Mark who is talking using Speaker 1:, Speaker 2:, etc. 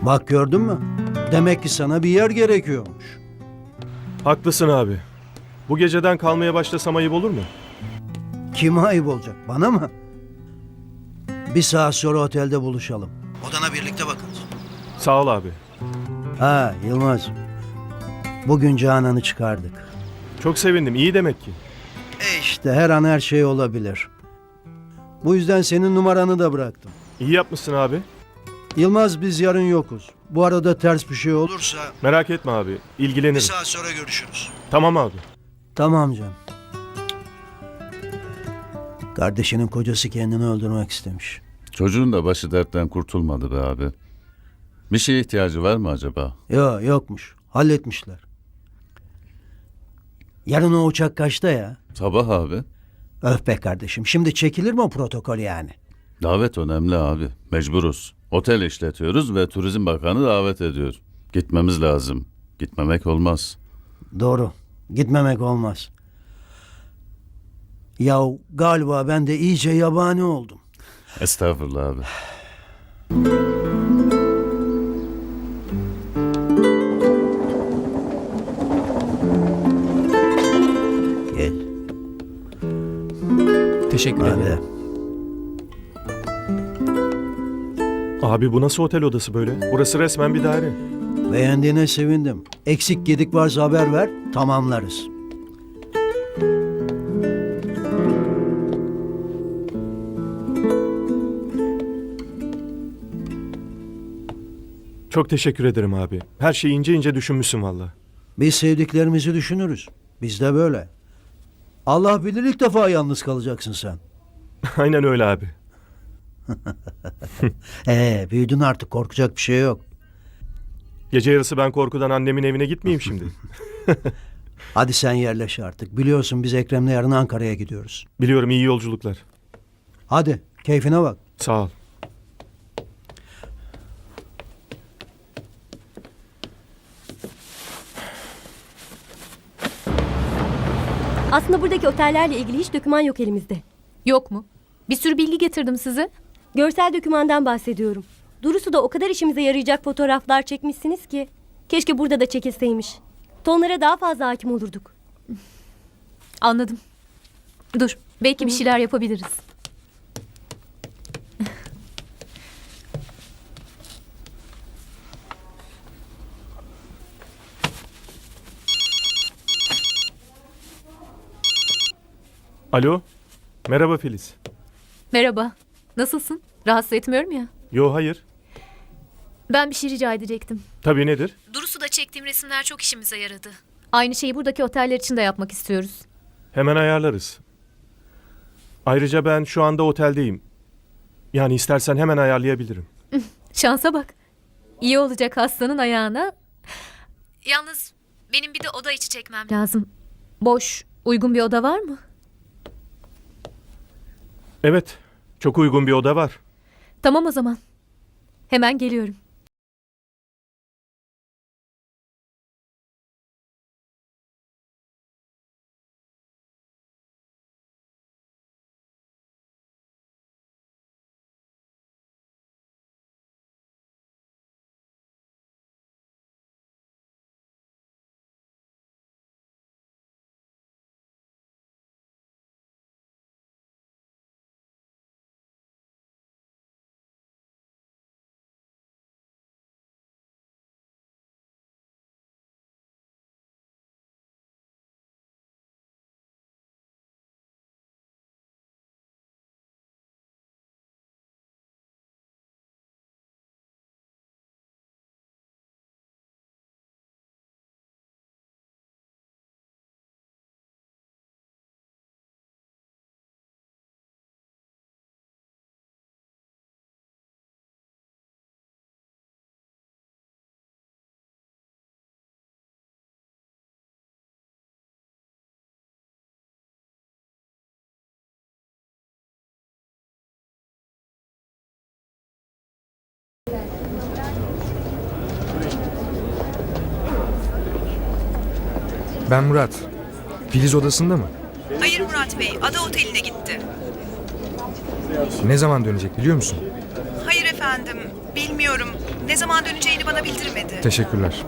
Speaker 1: Bak gördün mü? Demek ki sana bir yer gerekiyormuş.
Speaker 2: Haklısın abi. Bu geceden kalmaya başlasam ayıp olur mu?
Speaker 1: Kime ayıp olacak? Bana mı? Bir saat sonra otelde buluşalım. Odana birlikte bakarız.
Speaker 2: Sağ ol abi.
Speaker 1: Ha Yılmaz. Bugün Canan'ı çıkardık.
Speaker 2: Çok sevindim. İyi demek ki.
Speaker 1: İşte her an her şey olabilir. Bu yüzden senin numaranı da bıraktım.
Speaker 2: İyi yapmışsın abi.
Speaker 1: Yılmaz biz yarın yokuz. Bu arada ters bir şey olursa...
Speaker 2: Merak etme abi. İlgilenirim.
Speaker 1: saat sonra görüşürüz.
Speaker 2: Tamam abi.
Speaker 1: Tamam canım. Kardeşinin kocası kendini öldürmek istemiş.
Speaker 3: Çocuğun da başı dertten kurtulmadı be abi. Bir şeye ihtiyacı var mı acaba?
Speaker 1: Yokmuş. Halletmişler. Yarın o uçak kaçta ya?
Speaker 3: Sabah abi.
Speaker 1: Öf be kardeşim. Şimdi çekilir mi o protokol yani?
Speaker 3: Davet önemli abi. Mecburuz. Otel işletiyoruz ve Turizm Bakanı davet ediyor. Gitmemiz lazım. Gitmemek olmaz.
Speaker 1: Doğru. Gitmemek olmaz. Ya galiba ben de iyice yabani oldum.
Speaker 3: Estağfurullah abi.
Speaker 1: Gel.
Speaker 4: Teşekkür
Speaker 1: Hadi.
Speaker 4: ederim.
Speaker 2: Abi bu nasıl otel odası böyle? Burası resmen bir daire.
Speaker 1: Beğendiğine sevindim. Eksik gedik varsa haber ver. Tamamlarız.
Speaker 2: Çok teşekkür ederim abi. Her şeyi ince ince düşünmüşsün valla.
Speaker 1: Biz sevdiklerimizi düşünürüz. Biz de böyle. Allah bilir ilk defa yalnız kalacaksın sen.
Speaker 2: Aynen öyle abi.
Speaker 1: Büyüdün artık, korkacak bir şey yok.
Speaker 2: Gece yarısı ben korkudan annemin evine gitmeyeyim şimdi.
Speaker 1: Hadi sen yerleş artık. Biliyorsun biz Ekrem'le yarın Ankara'ya gidiyoruz.
Speaker 2: Biliyorum, iyi yolculuklar.
Speaker 1: Hadi keyfine bak.
Speaker 2: Sağ ol.
Speaker 5: Aslında buradaki otellerle ilgili hiç doküman yok elimizde.
Speaker 6: Yok mu? Bir sürü bilgi getirdim size.
Speaker 5: Görsel dokümandan bahsediyorum. Durusu da o kadar işimize yarayacak fotoğraflar çekmişsiniz ki. Keşke burada da çekilseymiş. Tonlara daha fazla hakim olurduk.
Speaker 6: Anladım. Dur, belki bir şeyler yapabiliriz.
Speaker 2: Alo. Merhaba Filiz.
Speaker 6: Merhaba. Nasılsın? Rahatsız etmiyorum ya.
Speaker 2: Yo, hayır.
Speaker 6: Ben bir şey rica edecektim.
Speaker 2: Tabii, nedir?
Speaker 6: Durusu da çektiğim resimler çok işimize yaradı. Aynı şeyi buradaki oteller için de yapmak istiyoruz.
Speaker 2: Hemen ayarlarız. Ayrıca ben şu anda oteldeyim. Yani istersen hemen ayarlayabilirim.
Speaker 6: Şansa bak. İyi olacak hastanın ayağına. Yalnız benim bir de oda içi çekmem lazım. Boş, uygun bir oda var mı?
Speaker 2: Evet, çok uygun bir oda var.
Speaker 6: Tamam o zaman. Hemen geliyorum.
Speaker 4: Ben Murat. Filiz odasında mı?
Speaker 7: Hayır Murat Bey, ada oteline gitti.
Speaker 4: Ne zaman dönecek biliyor musun?
Speaker 7: Hayır efendim. efendim. Bilmiyorum. Ne zaman döneceğini bana bildirmedi.
Speaker 4: Teşekkürler.